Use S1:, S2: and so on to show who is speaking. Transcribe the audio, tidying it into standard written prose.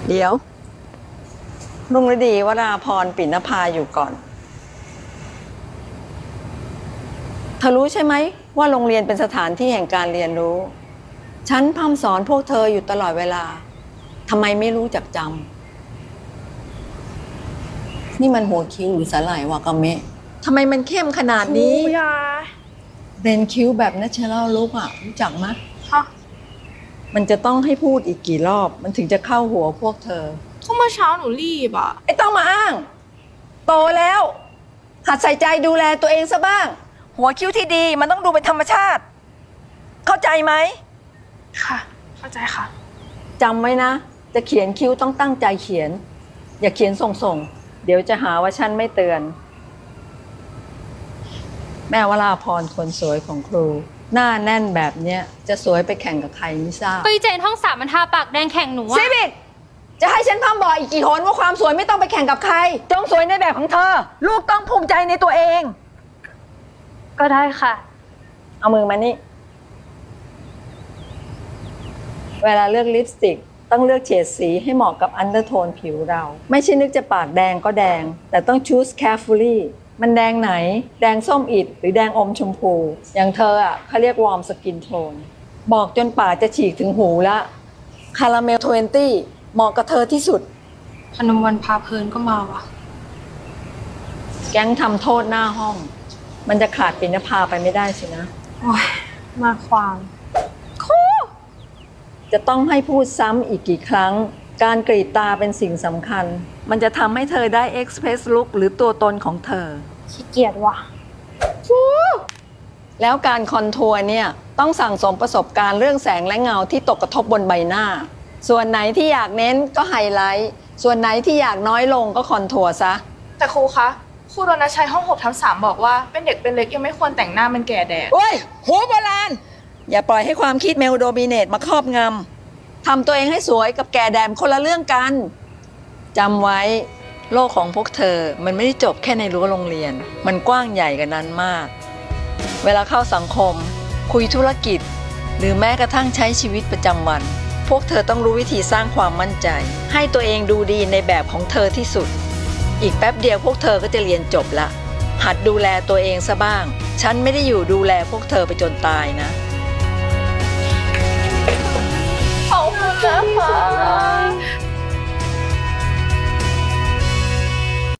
S1: เดี๋ยวรุ่งฤดีวราพรปิณภาอยู่ก่อนเธอรู้ใช่ไหมว่าโรงเรียนเป็นสถานที่แห่งการเรียนรู้ฉันพร่ำสอนพวกเธออยู่ตลอดเวลาทำไมไม่รู้จักจำนี่มันหัวคิ้วหรือสาหร่ายวากาเมะทำไมมันเข้มขนาดนี้
S2: ครูยา
S1: เรนคิ้วแบบ Natural Look อ่ะรู้จักไหม
S2: ค่ะ
S1: มันจะต้องให้พูดอีกกี่รอบมันถึงจะเข้าหัวพวกเธอ
S2: ก็เมื่อเช้าหนูรีบอ่ะ
S1: ไอ้ต้องมาอ้างโตแล้วหัดใส่ใจดูแลตัวเองซะบ้างหัวคิ้วที่ดีมันต้องดูเป็นธรรมชาติเข้าใจไหม
S2: ค่ะ เข้าใจค่ะ
S1: จำไว้นะจะเขียนคิ้วต้องตั้งใจเขียนอย่าเขียนส่งๆเดี๋ยวจะหาว่าฉันไม่เตือนแม่วราพรคนสวยของครูหน้าแน่นแบบเนี้ยจะสวยไปแข่งกับใครไม่ทราบ
S3: ก็อีเจนห้องสามมันทาปากแดงแข่งหนูอะ
S1: ซีบิกจะให้ฉันพร่ำบอกอีกกี่หนว่าความสวยไม่ต้องไปแข่งกับใครจงสวยในแบบของเธอลูกต้องภูมิใจในตัวเอง
S3: ก็ได้ค่ะ
S1: เอามือมานี่เวลาเลือกลิปสติกต้องเลือกเฉดสีให้เหมาะกับอันเดอร์โทนผิวเราไม่ใช่นึกจะปากแดงก็แดงแต่ต้อง choose carefully มันแดงไหนแดงส้มอิดหรือแดงอมชมพูอย่างเธออ่ะเขาเรียกวอร์มสกินโทนบอกจนปากจะฉีกถึงหูละคาราเมล20เหมาะกับเธอที่สุด
S2: พนมวันพาเพลินก็มาว่ะ
S1: แก๊งทำโทษหน้าห้องมันจะขาดปิณภาไปไม่ได้สินะ
S2: โอ้ย มาความ
S1: จะต้องให้พูดซ้ำอีกกี่ครั้งการกรีดตาเป็นสิ่งสำคัญมันจะทำให้เธอได้ express look หรือตัวตนของเธอ
S2: ขี้เกียจว่ะ
S1: แล้วการคอนทัวร์เนี่ยต้องสั่งสมประสบการณ์เรื่องแสงและเงาที่ตกกระทบบนใบหน้าส่วนไหนที่อยากเน้นก็ไฮไลท์ส่วนไหนที่อยากน้อยลงก็คอนทัวร์ซะ
S2: แต่ครูคะ ครูโดนัทชัยห้อง6/3บอกว่าเป็นเด็กเป็นเล็กยังไม่ควรแต่งหน้ามันแก่แดด
S1: โอ้ยหัวโบราณอย่าปล่อยให้ความคิดเมลโดมิเนตมาครอบงำทำตัวเองให้สวยกับแก่แดดคนละเรื่องกันจำไว้โลกของพวกเธอมันไม่ได้จบแค่ในรั้วโรงเรียนมันกว้างใหญ่กันนั้นมากเวลาเข้าสังคมคุยธุรกิจหรือแม้กระทั่งใช้ชีวิตประจำวันพวกเธอต้องรู้วิธีสร้างความมั่นใจให้ตัวเองดูดีในแบบของเธอที่สุดอีกแป๊บเดียวพวกเธอก็จะเรียนจบละหัดดูแลตัวเองซะบ้างฉันไม่ได้อยู่ดูแลพวกเธอไปจนตายนะ
S2: ขอบคุณนะคะ